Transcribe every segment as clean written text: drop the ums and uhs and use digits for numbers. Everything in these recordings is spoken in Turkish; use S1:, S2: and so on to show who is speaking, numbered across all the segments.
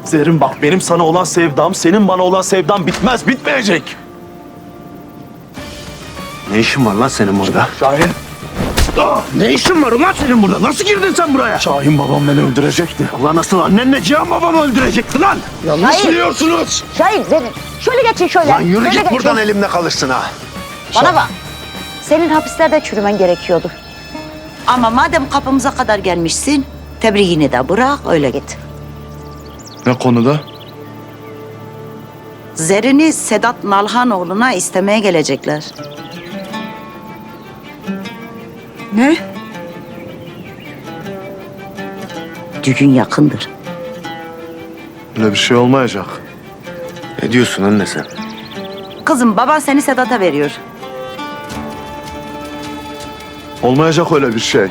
S1: Zerrin bak, benim sana olan sevdam, senin bana olan sevdam bitmez, bitmeyecek.
S2: Ne işin var lan senin burada?
S1: Şahin.
S2: Ne işin var ulan senin burada? Nasıl girdin sen buraya?
S1: Şahin babam beni öldürecekti.
S2: Allah nasıl annenle Cihan babamı öldürecekti lan? Yanlış
S3: Hayır.
S2: biliyorsunuz.
S3: Şahin, Zerrin. Şöyle geçin şöyle.
S2: Lan yürü
S3: Şöyle
S2: git
S3: geçin.
S2: buradan elimde kalırsın ha.
S3: Bana bak. Senin hapislerde çürümen gerekiyordu. Ama madem kapımıza kadar gelmişsin, tebriğini de bırak, öyle git.
S1: Ne konuda?
S3: Zerrin'i Sedat Nalhanoğlu'na istemeye gelecekler.
S4: Ne?
S3: Düğün yakındır.
S1: Öyle bir şey olmayacak.
S2: Ne diyorsun anne sen?
S3: Kızım, baban seni Sedat'a veriyor.
S1: Olmayacak öyle bir şey.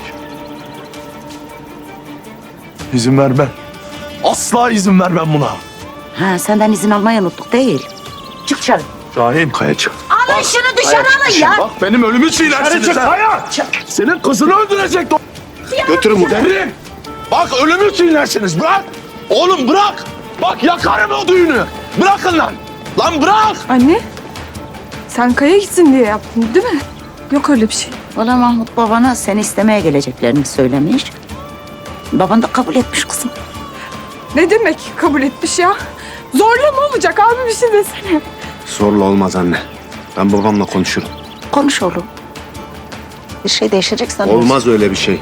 S1: İzin vermem. Asla izin vermem buna.
S3: Ha, senden izin almayı unuttuk değil. Çık dışarı.
S1: Şahin.
S2: Kaya çık.
S3: Alın şunu dışarı alın ya.
S1: Bak benim ölümü çiğnersiniz. ha. Senin kızını öldürecekti o.
S2: Götürün bunu.
S1: Zerrin. Bak ölümü çiğnersiniz. Bırak. Oğlum bırak. Bak yakarım o düğünü. Bırakın lan. Lan bırak.
S4: Anne, sen Kaya gitsin diye yaptın değil mi? Yok öyle bir şey.
S3: Valla Mahmut babana seni istemeye geleceklerini söylemiş. Baban da kabul etmiş kızım.
S4: Ne demek kabul etmiş ya? Zorla mı olacak abi, bir şey desene.
S2: Zorla olmaz anne. Ben babamla konuşurum.
S3: Konuş oğlum. Bir şey değişecek sanıyorsun.
S2: Olmaz öyle bir şey.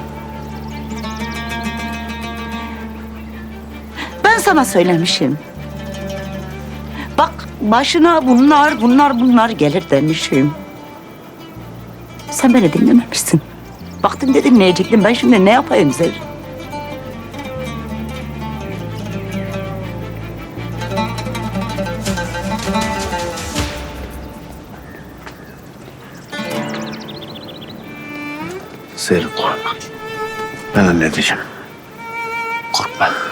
S3: Ben sana söylemişim. Bak başına bunlar gelir demişim. Sen beni dinlememişsin. Baktın da dinleyecektim. Ben şimdi ne yapayım Zerrin?
S2: Serin. Ben halledeceğim. Korkma.